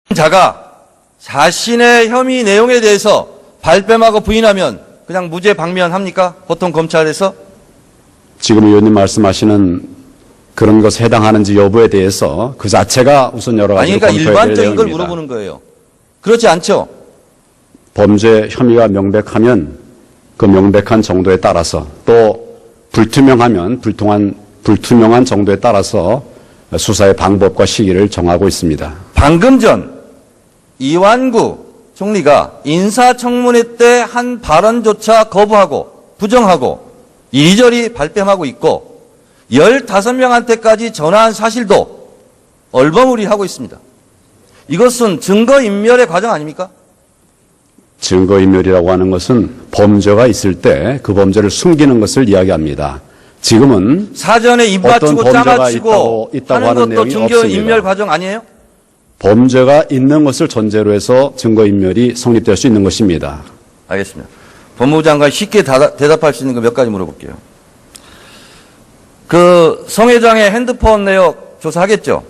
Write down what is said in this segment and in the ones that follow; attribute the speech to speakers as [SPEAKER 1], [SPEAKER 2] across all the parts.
[SPEAKER 1] 자가 자신의 혐의 내용에 대해서 발뺌하고 부인하면 그냥 무죄 방면합니까? 보통 검찰에서?
[SPEAKER 2] 지금 의원님 말씀하시는 그런 것에 해당하는지 여부에 대해서 그 자체가 우선 여러 가지
[SPEAKER 1] 아니, 그러니까 일반적인 걸 물어보는 거예요. 그렇지 않죠?
[SPEAKER 2] 범죄 혐의가 명백하면 그 명백한 정도에 따라서 또 불투명하면 불투명한 정도에 따라서 수사의 방법과 시기를 정하고 있습니다.
[SPEAKER 1] 방금 전 이완구 총리가 인사청문회 때 한 발언조차 거부하고 부정하고 이리저리 발뺌하고 있고 15명한테까지 전화한 사실도 얼버무리하고 있습니다. 이것은 증거인멸의 과정 아닙니까?
[SPEAKER 2] 증거인멸이라고 하는 것은 범죄가 있을 때 그 범죄를 숨기는 것을 이야기합니다. 지금은
[SPEAKER 1] 사전에 입 맞추고 짜맞추고
[SPEAKER 2] 있다고
[SPEAKER 1] 하는
[SPEAKER 2] 하는
[SPEAKER 1] 것도
[SPEAKER 2] 내용이
[SPEAKER 1] 증거인멸
[SPEAKER 2] 없습니다.
[SPEAKER 1] 과정 아니에요?
[SPEAKER 2] 범죄가 있는 것을 전제로 해서 증거인멸이 성립될 수 있는 것입니다.
[SPEAKER 1] 알겠습니다. 법무부 장관이 쉽게 대답할 수 있는 거 몇 가지 물어볼게요. 그 성 회장의 핸드폰 내역 조사하겠죠?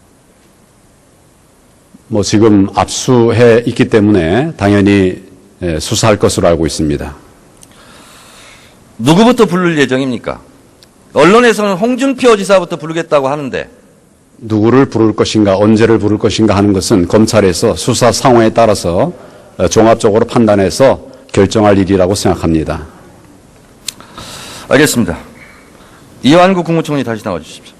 [SPEAKER 2] 뭐 지금 압수해 있기 때문에 당연히 수사할 것으로 알고 있습니다.
[SPEAKER 1] 누구부터 부를 예정입니까? 언론에서는 홍준표 지사부터 부르겠다고 하는데
[SPEAKER 2] 누구를 부를 것인가 언제를 부를 것인가 하는 것은 검찰에서 수사 상황에 따라서 종합적으로 판단해서 결정할 일이라고 생각합니다.
[SPEAKER 1] 알겠습니다. 이완구 국무총리 다시 나와 주십시오.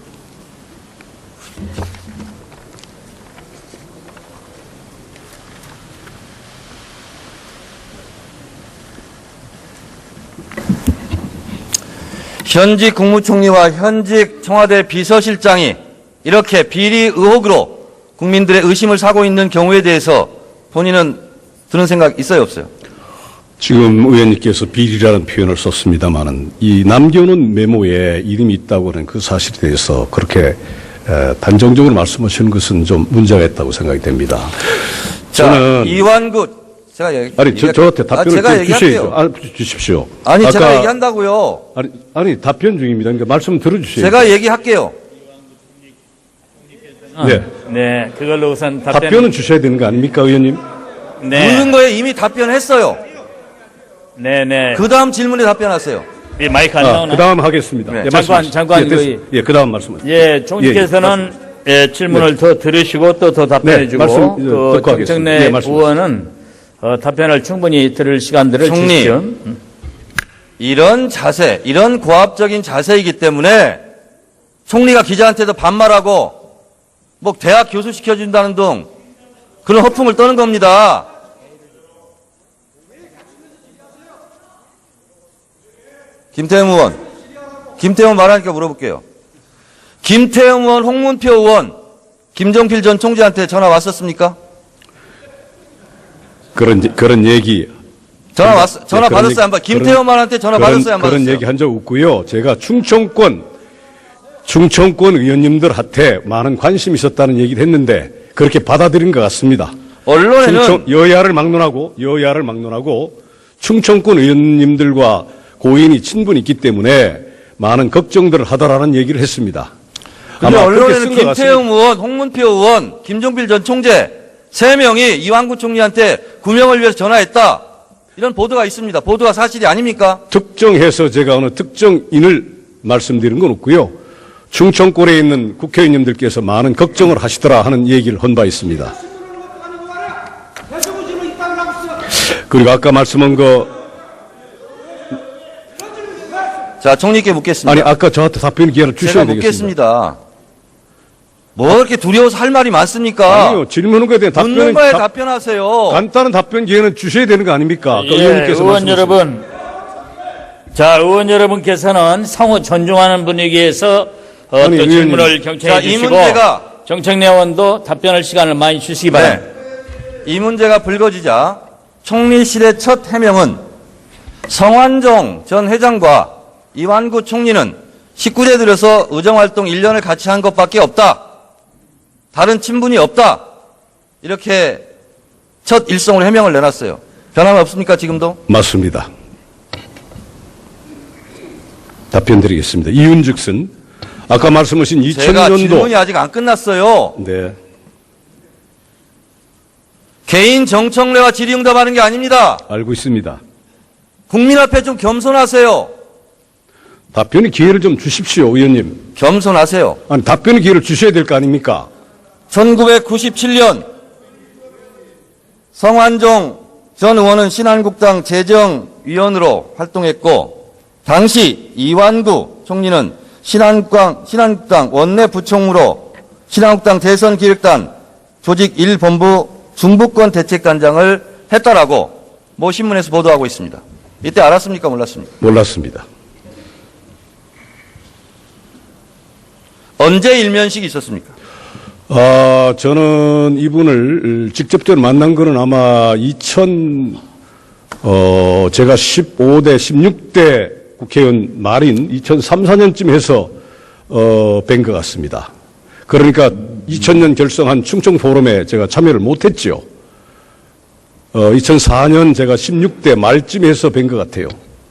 [SPEAKER 1] 현직 국무총리와 현직 청와대 비서실장이 이렇게 비리 의혹으로 국민들의 의심을 사고 있는 경우에 대해서 본인은 드는 생각 있어요, 없어요?
[SPEAKER 3] 지금 의원님께서 비리라는 표현을 썼습니다마는 이 남겨놓은 메모에 이름이 있다고 하는 그 사실에 대해서 그렇게 단정적으로 말씀하시는 것은 좀 문제가 있다고 생각이 됩니다.
[SPEAKER 1] 자, 이완구 제가
[SPEAKER 3] 저한테 답변을 주셔야죠. 주십시오.
[SPEAKER 1] 아니, 제가 얘기한다고요.
[SPEAKER 3] 아니 답변 중입니다. 그러니까 말씀 들어주셔야죠.
[SPEAKER 1] 제가 얘기할게요.
[SPEAKER 3] 네.
[SPEAKER 4] 네, 그걸로 우선
[SPEAKER 3] 답변은 주셔야 되는 거 아닙니까, 의원님?
[SPEAKER 4] 네.
[SPEAKER 1] 묻는 거에 이미 답변했어요.
[SPEAKER 4] 네.
[SPEAKER 1] 그 다음 질문에 답변하세요.
[SPEAKER 4] 이 마이크 안 나오나?
[SPEAKER 3] 그 다음 하겠습니다.
[SPEAKER 1] 네.
[SPEAKER 4] 장관
[SPEAKER 3] 예, 그 다음 말씀하세요.
[SPEAKER 4] 예, 총리께서는 질문을 더 들으시고 또 더 답변해 주고
[SPEAKER 3] 말씀
[SPEAKER 4] 그
[SPEAKER 3] 듣고 하겠습니다.
[SPEAKER 4] 정청래
[SPEAKER 3] 예, 말씀하세요.
[SPEAKER 4] 의원은 총리를 충분히 들을 시간들을
[SPEAKER 1] 총리.
[SPEAKER 4] 주십시오.
[SPEAKER 1] 이런 자세, 이런 고압적인 자세이기 때문에 총리가 기자한테도 반말하고 뭐 대학 교수 시켜준다는 등 그런 허풍을 떠는 겁니다. 김태형 의원 말하니까 물어볼게요. 김태형 의원, 홍문표 의원, 김종필 전 총재한테 전화 왔었습니까?
[SPEAKER 2] 그런 얘기
[SPEAKER 1] 전화
[SPEAKER 3] 그런
[SPEAKER 1] 받았어요?
[SPEAKER 3] 얘기-
[SPEAKER 1] 안 받았어요? 김태형 의원한테 전화 받았어요? 안 받았어요?
[SPEAKER 3] 그런 얘기 한 적 없고요. 제가 충청권 의원님들한테 많은 관심이 있었다는 얘기를 했는데 그렇게 받아들인 것 같습니다.
[SPEAKER 1] 언론에는
[SPEAKER 3] 여야를 막론하고 충청권 의원님들과 고인이 친분이 있기 때문에 많은 걱정들을 하더라는 얘기를 했습니다.
[SPEAKER 1] 근데
[SPEAKER 3] 아마 그렇게
[SPEAKER 1] 언론에는
[SPEAKER 3] 쓴것
[SPEAKER 1] 김태형 의원, 홍문표 의원, 김종필 전 총재 3명이 이완구 총리한테 구명을 위해서 전화했다. 이런 보도가 있습니다. 보도가 사실이 아닙니까?
[SPEAKER 3] 특정해서 제가 어느 특정인을 말씀드린 건 없고요. 충청권에 있는 국회의원님들께서 많은 걱정을 하시더라 하는 얘기를 한 바 있습니다. 그리고 아까 말씀한
[SPEAKER 1] 자, 총리께 묻겠습니다.
[SPEAKER 3] 아니 아까 저한테 답변 기회를
[SPEAKER 1] 제가
[SPEAKER 3] 주셔야 되겠습니다.
[SPEAKER 1] 묻겠습니다. 뭐 이렇게 두려워서 할 말이 많습니까?
[SPEAKER 3] 아니요, 질문한 거에 대한
[SPEAKER 1] 묻는 거에 답변하세요.
[SPEAKER 3] 간단한 답변 기회는 주셔야 되는 거 아닙니까? 아까
[SPEAKER 4] 예,
[SPEAKER 3] 의원님께서
[SPEAKER 4] 의원
[SPEAKER 3] 말씀하신
[SPEAKER 4] 여러분. 자, 의원 여러분께서는 상호 존중하는 분위기에서 또
[SPEAKER 3] 의원님.
[SPEAKER 4] 질문을
[SPEAKER 1] 자,
[SPEAKER 4] 경청해
[SPEAKER 1] 이
[SPEAKER 4] 주시고
[SPEAKER 1] 문제가-
[SPEAKER 4] 정청래 의원도 답변할 시간을 많이 주시기 바랍니다.
[SPEAKER 1] 네. 이 문제가 불거지자 총리실의 첫 해명은 성완종 전 회장과 이완구 총리는 19대 들여서 의정활동 1년을 같이 한 것밖에 없다. 다른 친분이 없다. 이렇게 첫 일성으로 해명을 내놨어요. 변함이 없습니까, 지금도?
[SPEAKER 3] 맞습니다. 답변 드리겠습니다. 이윤즉슨 아까 말씀하신
[SPEAKER 1] 제가
[SPEAKER 3] 2000년도
[SPEAKER 1] 질문이 아직 안 끝났어요.
[SPEAKER 3] 네.
[SPEAKER 1] 개인 정청래와 질의응답하는 게 아닙니다.
[SPEAKER 3] 알고 있습니다.
[SPEAKER 1] 국민 앞에 좀 겸손하세요.
[SPEAKER 3] 답변의 기회를 좀 주십시오, 의원님.
[SPEAKER 1] 겸손하세요.
[SPEAKER 3] 아니, 답변의 기회를 주셔야 될 거 아닙니까?
[SPEAKER 1] 1997년 성완종 전 의원은 신한국당 재정위원으로 활동했고 당시 이완구 총리는 신한국당 원내부총무로 신한국당 대선기획단 조직 1본부 중부권 대책단장을 했다라고 모 신문에서 보도하고 있습니다. 이때 알았습니까? 몰랐습니까?
[SPEAKER 3] 몰랐습니다.
[SPEAKER 1] 언제 일면식이 있었습니까?
[SPEAKER 3] 저는 이분을 직접적으로 만난 거는 아마 제가 15대, 16대 국회의원 말인 2003, 4년쯤 해서, 뵌 것 같습니다. 그러니까 2000년 결성한 충청 포럼에 제가 참여를 못했죠. 2004년 제가 16대 말쯤 해서 뵌 것 같아요.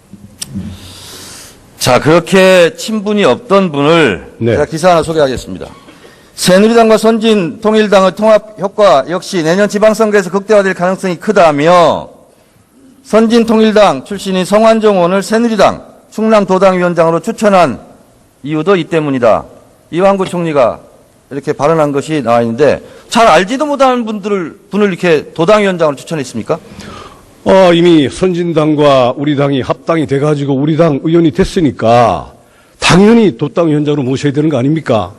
[SPEAKER 1] 자, 그렇게 친분이 없던 분을
[SPEAKER 3] 네.
[SPEAKER 1] 제가 기사 하나 소개하겠습니다. 새누리당과 선진통일당의 통합 효과 역시 내년 지방선거에서 극대화될 가능성이 크다며 선진통일당 출신인 성완종 의원을 새누리당 충남도당위원장으로 추천한 이유도 이 때문이다. 이완구 총리가 이렇게 발언한 것이 나와 있는데 잘 알지도 못하는 분을 이렇게 도당위원장으로 추천했습니까?
[SPEAKER 3] 이미 선진당과 우리 당이 합당이 돼가지고 우리 당 의원이 됐으니까 당연히 도당위원장으로 모셔야 되는 거 아닙니까?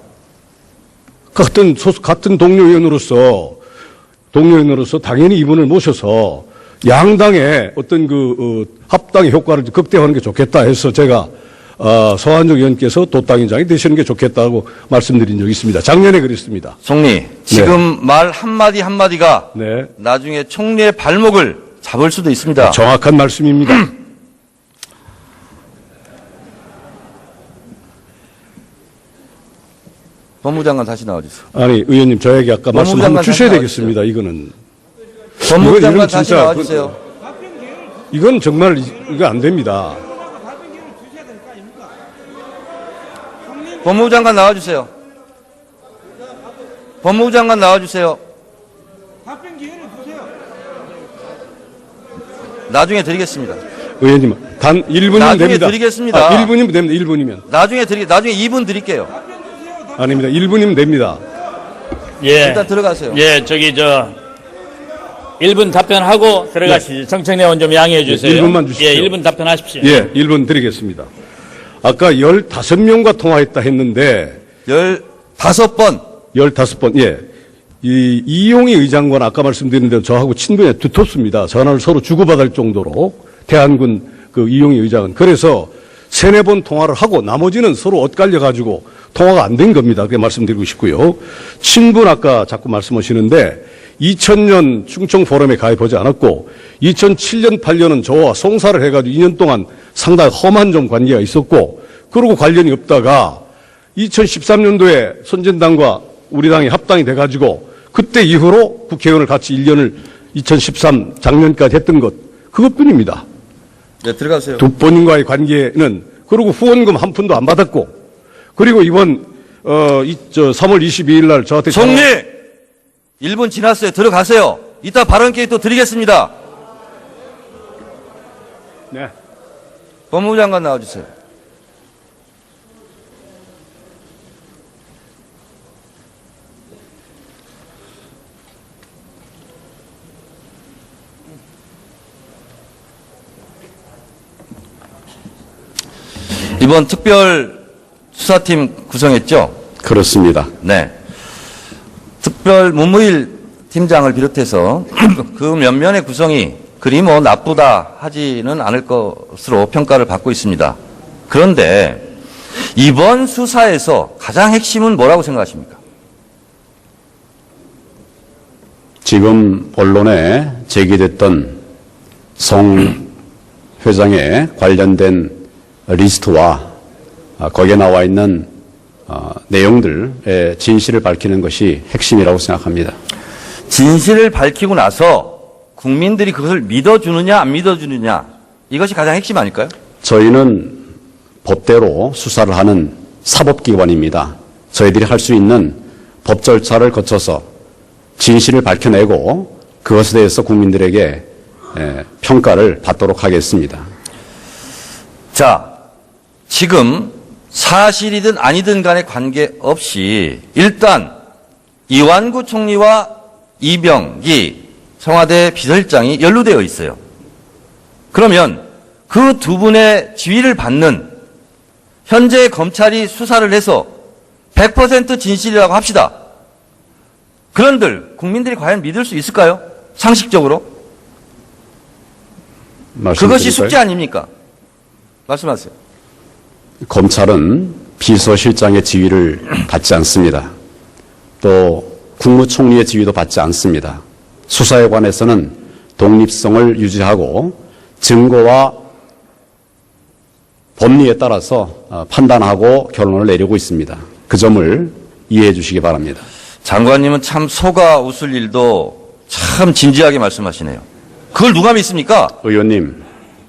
[SPEAKER 3] 같은 동료 의원으로서 당연히 이분을 모셔서 양당의 어떤 합당의 효과를 극대화하는 게 좋겠다 해서 제가 서한정 의원께서 도당위원장이 되시는 게 좋겠다고 말씀드린 적이 있습니다. 작년에 그랬습니다.
[SPEAKER 1] 총리, 지금 말 한마디 한마디가
[SPEAKER 3] 네.
[SPEAKER 1] 나중에 총리의 발목을 잡을 수도 있습니다.
[SPEAKER 3] 정확한 말씀입니다.
[SPEAKER 1] 법무장관 다시 나와주세요.
[SPEAKER 3] 아니, 의원님, 저에게 아까 말씀 한번
[SPEAKER 1] 법무장관
[SPEAKER 3] 주셔야
[SPEAKER 1] 다시
[SPEAKER 3] 되겠습니다. 이거는.
[SPEAKER 1] 법무장관
[SPEAKER 3] 이건
[SPEAKER 1] 다시
[SPEAKER 3] 진짜
[SPEAKER 1] 나와주세요.
[SPEAKER 3] 이건 정말, 이거 안 됩니다.
[SPEAKER 1] 법무장관 나와주세요. 법무장관 나와주세요.
[SPEAKER 5] 답변 기회를 주세요.
[SPEAKER 1] 나중에 드리겠습니다.
[SPEAKER 3] 의원님, 단 1분이면
[SPEAKER 1] 나중에
[SPEAKER 3] 됩니다.
[SPEAKER 1] 드리겠습니다.
[SPEAKER 3] 1분이면 됩니다. 1분이면.
[SPEAKER 1] 나중에 2분 드릴게요.
[SPEAKER 3] 아닙니다. 1분이면 됩니다.
[SPEAKER 4] 예.
[SPEAKER 1] 일단 들어가세요.
[SPEAKER 4] 예, 1분 답변하고 들어가시죠. 정청래 의원 좀 양해해 주세요.
[SPEAKER 3] 1분만 주십시오.
[SPEAKER 4] 예, 1분 답변하십시오.
[SPEAKER 3] 예, 1분 드리겠습니다. 아까 15명과 통화했다 했는데,
[SPEAKER 1] 15번.
[SPEAKER 3] 15번, 예. 이용희 의장관 아까 말씀드린 대로 저하고 친분이 두텁습니다. 전화를 서로 주고받을 정도로 대한군 이용희 의장은. 그래서 3-4번 통화를 하고 나머지는 서로 엇갈려가지고 통화가 안 된 겁니다. 그렇게 말씀드리고 싶고요. 친분 아까 자꾸 말씀하시는데 2000년 충청 포럼에 가입하지 않았고 2007년, 8년은 저와 송사를 해가지고 2년 동안 상당히 험한 좀 관계가 있었고 그러고 관련이 없다가 2013년도에 선진당과 우리 당이 합당이 돼가지고 그때 이후로 국회의원을 같이 1년을 2013 작년까지 했던 것 그것뿐입니다.
[SPEAKER 1] 네, 들어가세요.
[SPEAKER 3] 두 분과의 관계는 그리고 후원금 한 푼도 안 받았고 그리고 이번 3월 22일 날 저한테
[SPEAKER 1] 총리! 1분 지났어요. 들어가세요. 이따 발언 기회 또 드리겠습니다.
[SPEAKER 3] 네.
[SPEAKER 1] 법무장관 나와주세요. 이번 특별 수사팀 구성했죠?
[SPEAKER 2] 그렇습니다.
[SPEAKER 1] 네. 특별 문무일 팀장을 비롯해서 그 면면의 구성이 그리 뭐 나쁘다 하지는 않을 것으로 평가를 받고 있습니다. 그런데 이번 수사에서 가장 핵심은 뭐라고 생각하십니까?
[SPEAKER 2] 지금 언론에 제기됐던 성 회장에 관련된 리스트와 거기에 나와 있는 내용들의 진실을 밝히는 것이 핵심이라고 생각합니다.
[SPEAKER 1] 진실을 밝히고 나서 국민들이 그것을 믿어주느냐 안 믿어주느냐 이것이 가장 핵심 아닐까요?
[SPEAKER 2] 저희는 법대로 수사를 하는 사법기관입니다. 저희들이 할 수 있는 법 절차를 거쳐서 진실을 밝혀내고 그것에 대해서 국민들에게 평가를 받도록 하겠습니다.
[SPEAKER 1] 자, 지금 사실이든 아니든 간에 관계없이 일단 이완구 총리와 이병기 청와대 비서실장이 연루되어 있어요. 그러면 그 두 분의 지위를 받는 현재 검찰이 수사를 해서 100% 진실이라고 합시다. 그런들 국민들이 과연 믿을 수 있을까요? 상식적으로? 그것이 숙제 아닙니까? 말씀하세요.
[SPEAKER 2] 검찰은 비서실장의 지위를 받지 않습니다. 또 국무총리의 지위도 받지 않습니다. 수사에 관해서는 독립성을 유지하고 증거와 법리에 따라서 판단하고 결론을 내리고 있습니다. 그 점을 이해해 주시기 바랍니다.
[SPEAKER 1] 장관님은 참 속아 웃을 일도 참 진지하게 말씀하시네요. 그걸 누가 믿습니까?
[SPEAKER 2] 의원님,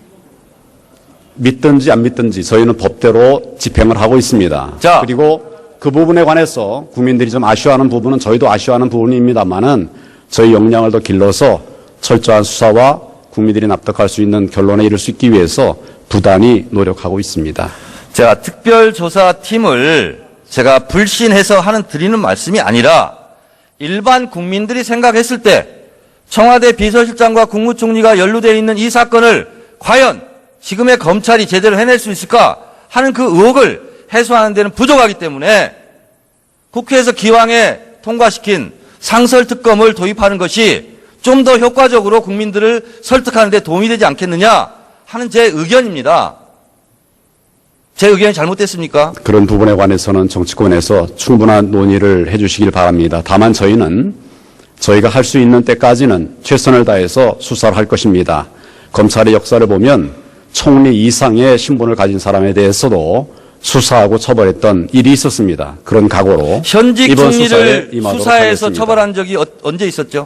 [SPEAKER 2] 믿든지 안 믿든지 저희는 법대로 집행을 하고 있습니다.
[SPEAKER 1] 자.
[SPEAKER 2] 그리고 그 부분에 관해서 국민들이 좀 아쉬워하는 부분은 저희도 아쉬워하는 부분입니다만은 저희 역량을 더 길러서 철저한 수사와 국민들이 납득할 수 있는 결론에 이를 수 있기 위해서 부단히 노력하고 있습니다.
[SPEAKER 1] 제가 특별조사팀을 제가 불신해서 드리는 말씀이 아니라 일반 국민들이 생각했을 때 청와대 비서실장과 국무총리가 연루되어 있는 이 사건을 과연 지금의 검찰이 제대로 해낼 수 있을까 하는 그 의혹을 해소하는 데는 부족하기 때문에 국회에서 기왕에 통과시킨 상설특검을 도입하는 것이 좀 더 효과적으로 국민들을 설득하는 데 도움이 되지 않겠느냐 하는 제 의견입니다. 제 의견이 잘못됐습니까?
[SPEAKER 2] 그런 부분에 관해서는 정치권에서 충분한 논의를 해 주시길 바랍니다. 다만 저희는 저희가 할 수 있는 때까지는 최선을 다해서 수사를 할 것입니다. 검찰의 역사를 보면 총리 이상의 신분을 가진 사람에 대해서도 수사하고 처벌했던 일이 있었습니다. 그런 각오로
[SPEAKER 1] 현직
[SPEAKER 2] 이번
[SPEAKER 1] 총리를
[SPEAKER 2] 수사에 임하도록
[SPEAKER 1] 수사해서
[SPEAKER 2] 하겠습니다.
[SPEAKER 1] 처벌한 적이 언제 있었죠?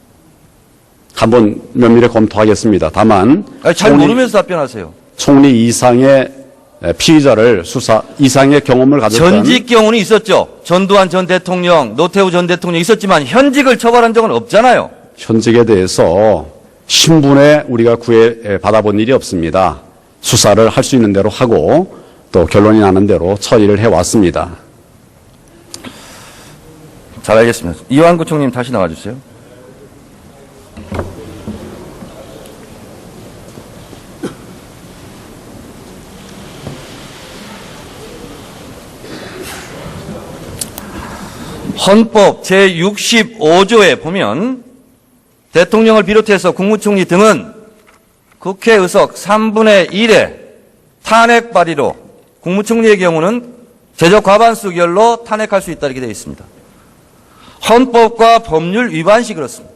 [SPEAKER 2] 한번 면밀히 검토하겠습니다. 다만
[SPEAKER 1] 잘 모르면서 답변하세요.
[SPEAKER 2] 총리 이상의 피의자를 수사 이상의 경험을 가졌던
[SPEAKER 1] 전직 경우는 있었죠. 전두환 전 대통령, 노태우 전 대통령 있었지만 현직을 처벌한 적은 없잖아요.
[SPEAKER 2] 현직에 대해서 신분에 우리가 구애 받아본 일이 없습니다. 수사를 할 수 있는 대로 하고 또 결론이 나는 대로 처리를 해왔습니다.
[SPEAKER 1] 잘 알겠습니다. 이완구 총리님 다시 나와주세요. 헌법 제65조에 보면 대통령을 비롯해서 국무총리 등은 국회 의석 3분의 1의 탄핵 발의로 국무총리의 경우는 제적 과반수 결로 탄핵할 수 있다 이렇게 되어 있습니다. 헌법과 법률 위반시 그렇습니다.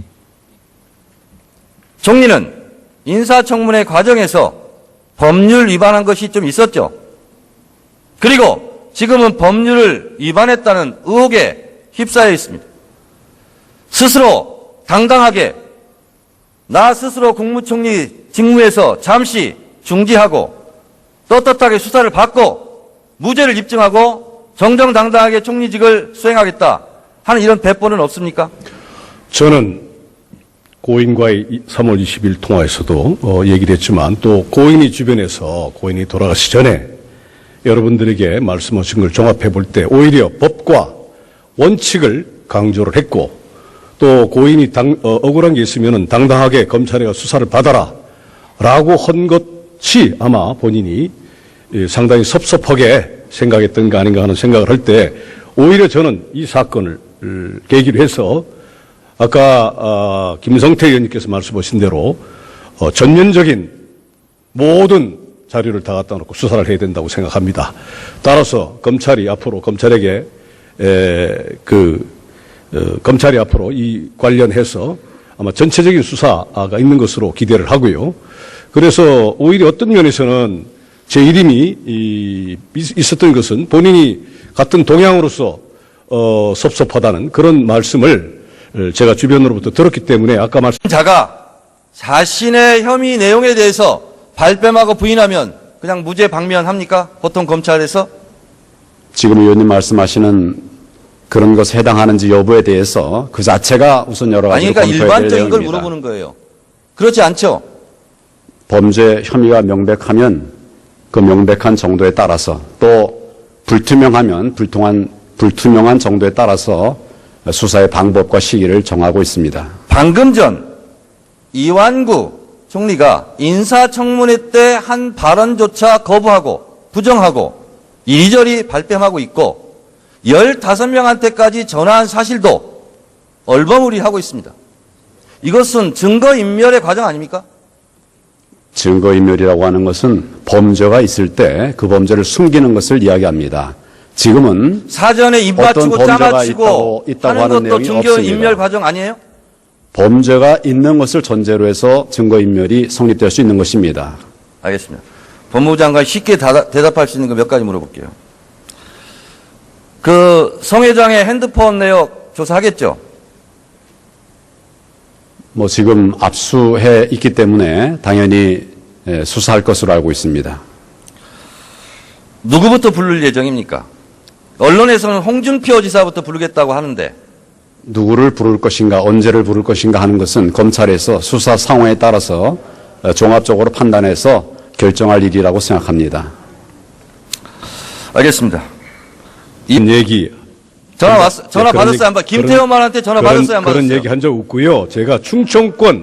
[SPEAKER 1] 총리는 인사청문회 과정에서 법률 위반한 것이 좀 있었죠. 그리고 지금은 법률을 위반했다는 의혹에 휩싸여 있습니다. 스스로 당당하게 나 스스로 국무총리 직무에서 잠시 중지하고 떳떳하게 수사를 받고 무죄를 입증하고 정정당당하게 총리직을 수행하겠다 하는 이런 배포는 없습니까?
[SPEAKER 3] 저는 고인과의 3월 20일 통화에서도 얘기를 했지만 또 고인이 주변에서 고인이 돌아가시 전에 여러분들에게 말씀하신 걸 종합해 볼 때 오히려 법과 원칙을 강조를 했고 또 고인이 억울한 게 있으면 당당하게 검찰에 수사를 받아라 라고 한 것이 아마 본인이 상당히 섭섭하게 생각했던 거 아닌가 하는 생각을 할 때 오히려 저는 이 사건을 계기로 해서 아까 김성태 의원님께서 말씀하신 대로 전면적인 모든 자료를 다 갖다 놓고 수사를 해야 된다고 생각합니다. 따라서 검찰이 앞으로 검찰에게 검찰이 앞으로 이 관련해서 아마 전체적인 수사가 있는 것으로 기대를 하고요. 그래서 오히려 어떤 면에서는 제 이름이 있었던 것은 본인이 같은 동향으로서 섭섭하다는 그런 말씀을 제가 주변으로부터 들었기 때문에 아까
[SPEAKER 1] 자가 자신의 혐의 내용에 대해서 발뺌하고 부인하면 그냥 무죄 방면합니까? 보통 검찰에서?
[SPEAKER 2] 지금 의원님 말씀하시는 그런 것에 해당하는지 여부에 대해서 그 자체가 우선 여러
[SPEAKER 1] 아니
[SPEAKER 2] 가지로
[SPEAKER 1] 그러니까
[SPEAKER 2] 검토해야 될
[SPEAKER 1] 일반적인 걸
[SPEAKER 2] 내용입니다.
[SPEAKER 1] 물어보는 거예요. 그렇지 않죠?
[SPEAKER 2] 범죄 혐의가 명백하면 그 명백한 정도에 따라서 또 불투명하면 불투명한 정도에 따라서 수사의 방법과 시기를 정하고 있습니다.
[SPEAKER 1] 방금 전 이완구 총리가 인사청문회 때 한 발언조차 거부하고 부정하고 이리저리 발뺌하고 있고 15명한테까지 전화한 사실도 얼버무리하고 있습니다. 이것은 증거인멸의 과정 아닙니까?
[SPEAKER 2] 증거인멸이라고 하는 것은 범죄가 있을 때 그 범죄를 숨기는 것을 이야기합니다. 지금은
[SPEAKER 1] 사전에 입
[SPEAKER 2] 어떤
[SPEAKER 1] 맞추고
[SPEAKER 2] 범죄가
[SPEAKER 1] 짜맞추고
[SPEAKER 2] 있다고
[SPEAKER 1] 하는
[SPEAKER 2] 하는
[SPEAKER 1] 것도
[SPEAKER 2] 내용이
[SPEAKER 1] 증거인멸
[SPEAKER 2] 없습니다.
[SPEAKER 1] 과정 아니에요?
[SPEAKER 2] 범죄가 있는 것을 전제로 해서 증거인멸이 성립될 수 있는 것입니다.
[SPEAKER 1] 알겠습니다. 법무부 장관 쉽게 대답할 수 있는 거 몇 가지 물어볼게요. 그 성 회장의 핸드폰 내역 조사하겠죠?
[SPEAKER 2] 뭐 지금 압수해 있기 때문에 당연히 수사할 것으로 알고 있습니다.
[SPEAKER 1] 누구부터 부를 예정입니까? 언론에서는 홍준표 지사부터 부르겠다고 하는데
[SPEAKER 2] 누구를 부를 것인가, 언제를 부를 것인가 하는 것은 검찰에서 수사 상황에 따라서 종합적으로 판단해서 결정할 일이라고 생각합니다.
[SPEAKER 1] 알겠습니다.
[SPEAKER 3] 이 얘기
[SPEAKER 1] 전화
[SPEAKER 3] 그런
[SPEAKER 1] 받았어요?
[SPEAKER 3] 얘기-
[SPEAKER 1] 안 받았어요? 김태호만한테 전화 받았어요? 안 받았어요?
[SPEAKER 3] 그런 얘기 한 적 없고요. 제가 충청권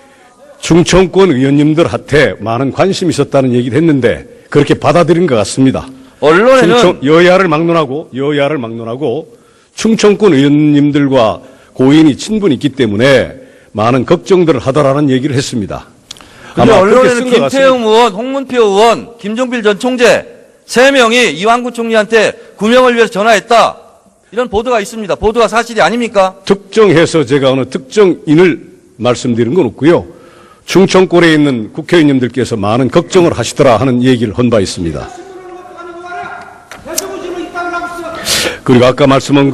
[SPEAKER 3] 의원님들한테 많은 관심이 있었다는 얘기를 했는데 그렇게 받아들인 것 같습니다.
[SPEAKER 1] 언론에는
[SPEAKER 3] 여야를 막론하고 충청권 의원님들과 고인이 친분이 있기 때문에 많은 걱정들을 하더라는 얘기를 했습니다.
[SPEAKER 1] 근데
[SPEAKER 3] 아마 그렇게
[SPEAKER 1] 언론에는
[SPEAKER 3] 쓴것 같습니다.
[SPEAKER 1] 김태형 의원, 홍문표 의원, 김종필 전 총재 3명이 이완구 총리한테 구명을 위해서 전화했다. 이런 보도가 있습니다. 보도가 사실이 아닙니까?
[SPEAKER 3] 특정해서 제가 어느 특정인을 말씀드린 건 없고요. 충청권에 있는 국회의원님들께서 많은 걱정을 하시더라 하는 얘기를 한 바 있습니다. 그리고 아까 말씀한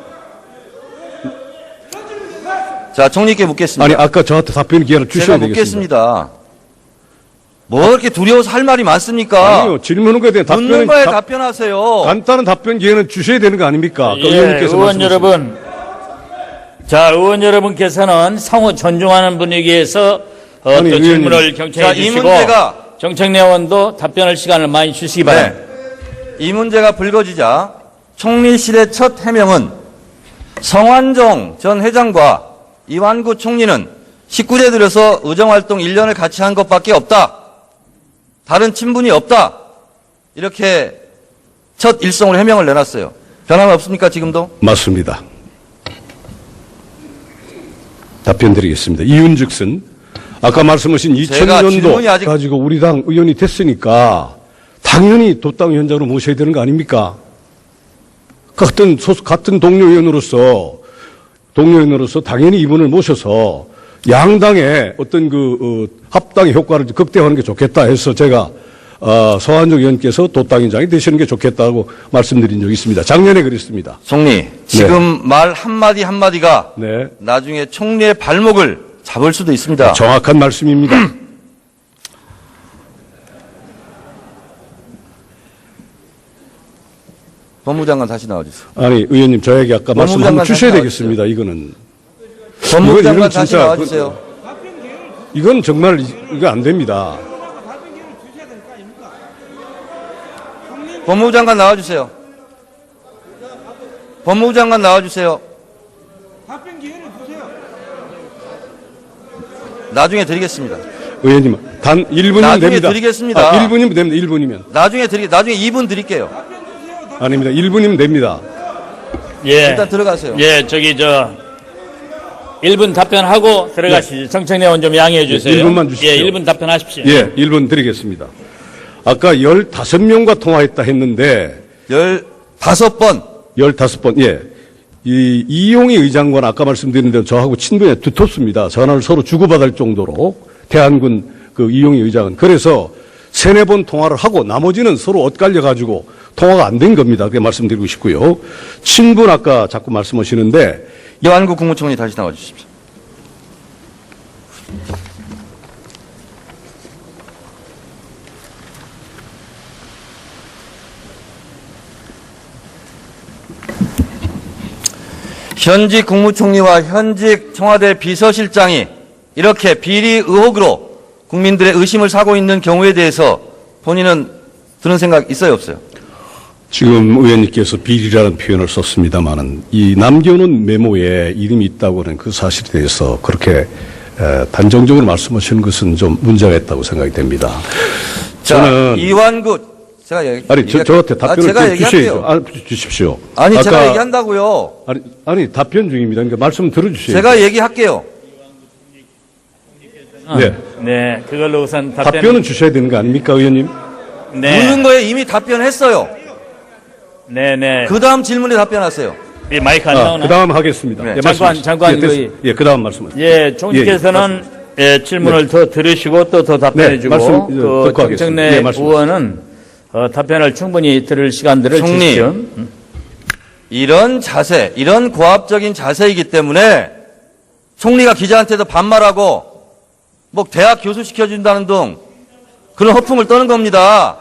[SPEAKER 1] 자, 총리께 묻겠습니다.
[SPEAKER 3] 아니 아까 저한테 답변 기회를
[SPEAKER 1] 제가
[SPEAKER 3] 주셔야 되겠습니다.
[SPEAKER 1] 묻겠습니다. 뭐 이렇게 두려워서 할 말이 많습니까?
[SPEAKER 3] 아니요, 질문한 거에 대한
[SPEAKER 1] 묻는 거에
[SPEAKER 3] 답변은
[SPEAKER 1] 답변하세요.
[SPEAKER 3] 간단한 답변 기회는 주셔야 되는 거 아닙니까? 아까
[SPEAKER 4] 예,
[SPEAKER 3] 의원님께서
[SPEAKER 4] 의원
[SPEAKER 3] 말씀하신
[SPEAKER 4] 여러분. 자, 의원 여러분께서는 상호 존중하는 분위기에서
[SPEAKER 3] 아니,
[SPEAKER 4] 또
[SPEAKER 3] 의원님.
[SPEAKER 4] 질문을
[SPEAKER 1] 자,
[SPEAKER 4] 경청해
[SPEAKER 1] 이
[SPEAKER 4] 주시고
[SPEAKER 1] 문제가
[SPEAKER 4] 정청래 의원도 답변할 시간을 많이 주시기 바랍니다.
[SPEAKER 1] 이 문제가 불거지자 총리실의 첫 해명은 성완종 전 회장과 이완구 총리는 19대 들여서 의정활동 1년을 같이 한 것밖에 없다. 다른 친분이 없다. 이렇게 첫 일성으로 해명을 내놨어요. 변함 없습니까, 지금도?
[SPEAKER 3] 맞습니다. 답변 드리겠습니다. 이윤즉슨 아까 말씀하신
[SPEAKER 1] 제가
[SPEAKER 3] 2000년도
[SPEAKER 1] 질문이 아직-
[SPEAKER 3] 가지고 우리 당 의원이 됐으니까 당연히 도당 위원장으로 모셔야 되는 거 아닙니까? 같은 동료 의원으로서 당연히 이분을 모셔서 양당의 어떤 합당의 효과를 극대화하는 게 좋겠다 해서 제가 서한정 의원께서 도당위원장이 되시는 게 좋겠다고 말씀드린 적이 있습니다. 작년에 그랬습니다.
[SPEAKER 1] 총리, 지금 말 한마디 한마디가
[SPEAKER 3] 네.
[SPEAKER 1] 나중에 총리의 발목을 잡을 수도 있습니다.
[SPEAKER 3] 정확한 말씀입니다.
[SPEAKER 1] 법무장관 다시 나와주세요.
[SPEAKER 3] 아니 의원님 저에게 아까 말씀
[SPEAKER 1] 법무장관
[SPEAKER 3] 한번 주셔야
[SPEAKER 1] 다시
[SPEAKER 3] 되겠습니다. 이거는
[SPEAKER 1] 법무장관
[SPEAKER 3] 이건
[SPEAKER 1] 다시
[SPEAKER 3] 진짜
[SPEAKER 1] 나와주세요.
[SPEAKER 3] 이건 정말 이거 안 됩니다.
[SPEAKER 1] 법무장관 나와주세요. 법무장관 나와주세요.
[SPEAKER 5] 답변 기회를 주세요.
[SPEAKER 1] 나중에 드리겠습니다.
[SPEAKER 3] 의원님 단 1분이면
[SPEAKER 1] 나중에
[SPEAKER 3] 됩니다.
[SPEAKER 1] 드리겠습니다.
[SPEAKER 3] 1분이면 됩니다. 1분이면
[SPEAKER 1] 나중에 2분 드릴게요.
[SPEAKER 3] 아닙니다. 1분이면 됩니다.
[SPEAKER 4] 예.
[SPEAKER 1] 일단 들어가세요.
[SPEAKER 4] 예, 1분 답변하고 들어가시죠. 정청래 의원 좀 양해해 주세요.
[SPEAKER 3] 1분만 주십시오.
[SPEAKER 4] 예, 1분 답변하십시오.
[SPEAKER 3] 예, 1분 드리겠습니다. 아까 15명과 통화했다 했는데
[SPEAKER 1] 15번.
[SPEAKER 3] 15번 예. 이 이용희 의장관 아까 말씀드린 대로 저하고 친분이 두텁습니다. 전화를 서로 주고받을 정도로 대한군 그 이용희 의장은 그래서 3-4번 통화를 하고 나머지는 서로 엇갈려 가지고 통화가 안 된 겁니다. 그렇게 말씀드리고 싶고요. 친분 아까 자꾸 말씀하시는데
[SPEAKER 1] 이완구 국무총리 다시 나와주십시오. 현직 국무총리와 현직 청와대 비서실장이 이렇게 비리 의혹으로 국민들의 의심을 사고 있는 경우에 대해서 본인은 드는 생각 있어요, 없어요?
[SPEAKER 3] 지금 의원님께서 비리라는 표현을 썼습니다마는 이 남겨놓은 메모에 이름이 있다고 하는 그 사실에 대해서 그렇게 단정적으로 말씀하시는 것은 좀 문제가 있다고 생각이 됩니다.
[SPEAKER 1] 자,
[SPEAKER 3] 저는
[SPEAKER 1] 이완구 제가 얘기
[SPEAKER 3] 아니 저한테 답변을
[SPEAKER 1] 제가
[SPEAKER 3] 좀
[SPEAKER 1] 얘기할게요.
[SPEAKER 3] 주십시오.
[SPEAKER 1] 아니
[SPEAKER 3] 아까-
[SPEAKER 1] 제가 얘기한다고요.
[SPEAKER 3] 아니 답변 중입니다. 그러니까 말씀 들어주세요.
[SPEAKER 1] 제가 얘기할게요.
[SPEAKER 3] 네.
[SPEAKER 4] 네, 그걸로 우선
[SPEAKER 3] 답변은 주셔야 되는 거 아닙니까, 의원님?
[SPEAKER 4] 네,
[SPEAKER 1] 묻는 거에 이미 답변했어요.
[SPEAKER 4] 네, 네.
[SPEAKER 1] 그 다음 질문에 답변하세요.
[SPEAKER 4] 이 마이크 안 나오나?
[SPEAKER 3] 그 다음 하겠습니다.
[SPEAKER 1] 네.
[SPEAKER 3] 예,
[SPEAKER 4] 장관,
[SPEAKER 3] 말씀하십시오.
[SPEAKER 4] 장관,
[SPEAKER 3] 예, 됐습니다. 예, 그 다음 말씀하세요.
[SPEAKER 4] 예, 총리께서는 질문을 더 들으시고 또 더 답변해주고
[SPEAKER 3] 말씀,
[SPEAKER 4] 그
[SPEAKER 3] 듣고 하겠습니다.
[SPEAKER 4] 정청래
[SPEAKER 3] 예, 말씀하세요.
[SPEAKER 4] 의원은 답변을 충분히 들을 시간들을
[SPEAKER 1] 총리.
[SPEAKER 4] 주십시오.
[SPEAKER 1] 이런 자세, 이런 고압적인 자세이기 때문에 총리가 기자한테도 반말하고 뭐 대학 교수 시켜준다는 등 그런 허풍을 떠는 겁니다.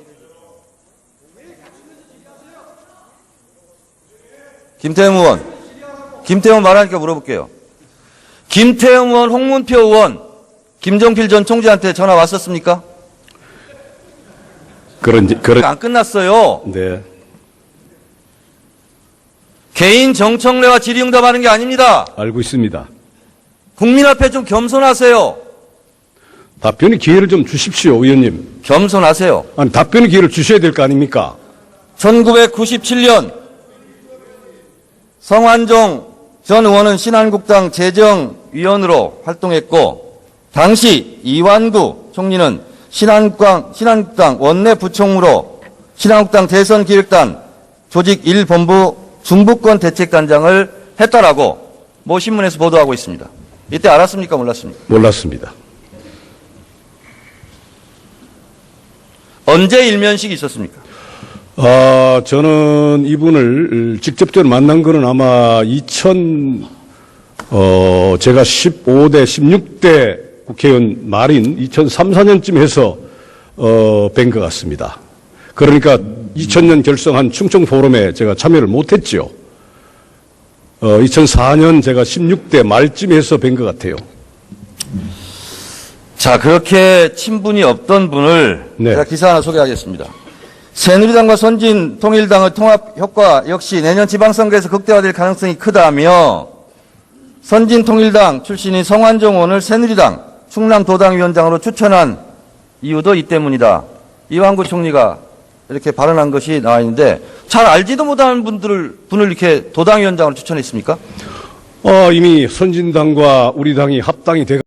[SPEAKER 1] 김태형 의원, 김태형 말하니까 물어볼게요. 김태형 의원, 홍문표 의원, 김종필 전 총재한테 전화 왔었습니까?
[SPEAKER 3] 그런
[SPEAKER 1] 안 끝났어요.
[SPEAKER 3] 네.
[SPEAKER 1] 개인 정청래와 질의응답하는 게 아닙니다.
[SPEAKER 3] 알고 있습니다.
[SPEAKER 1] 국민 앞에 좀 겸손하세요.
[SPEAKER 3] 답변의 기회를 좀 주십시오, 의원님.
[SPEAKER 1] 겸손하세요.
[SPEAKER 3] 아니, 답변의 기회를 주셔야 될 거 아닙니까?
[SPEAKER 1] 1997년 성완종 전 의원은 신한국당 재정위원으로 활동했고 당시 이완구 총리는 신한국당 원내 부총무로 신한국당 대선기획단 조직 1본부 중부권 대책단장을 했다라고 모 신문에서 보도하고 있습니다. 이때 알았습니까? 몰랐습니까?
[SPEAKER 3] 몰랐습니다.
[SPEAKER 1] 언제 일면식이 있었습니까?
[SPEAKER 3] 저는 이분을 직접적으로 만난 거는 아마 제가 15대, 16대 국회의원 말인 2003, 4년쯤 해서, 뵌 것 같습니다. 그러니까 2000년 결성한 충청 포럼에 제가 참여를 못했죠. 2004년 제가 16대 말쯤 해서 뵌 것 같아요.
[SPEAKER 1] 자, 그렇게 친분이 없던 분을
[SPEAKER 3] 네.
[SPEAKER 1] 제가 기사 하나 소개하겠습니다. 새누리당과 선진통일당의 통합 효과 역시 내년 지방선거에서 극대화될 가능성이 크다며 선진통일당 출신인 성완종 의원을 새누리당 충남도당위원장으로 추천한 이유도 이 때문이다. 이완구 총리가 이렇게 발언한 것이 나와 있는데 잘 알지도 못하는 분을 이렇게 도당위원장으로 추천했습니까?
[SPEAKER 3] 이미 선진당과 우리 당이 합당이 돼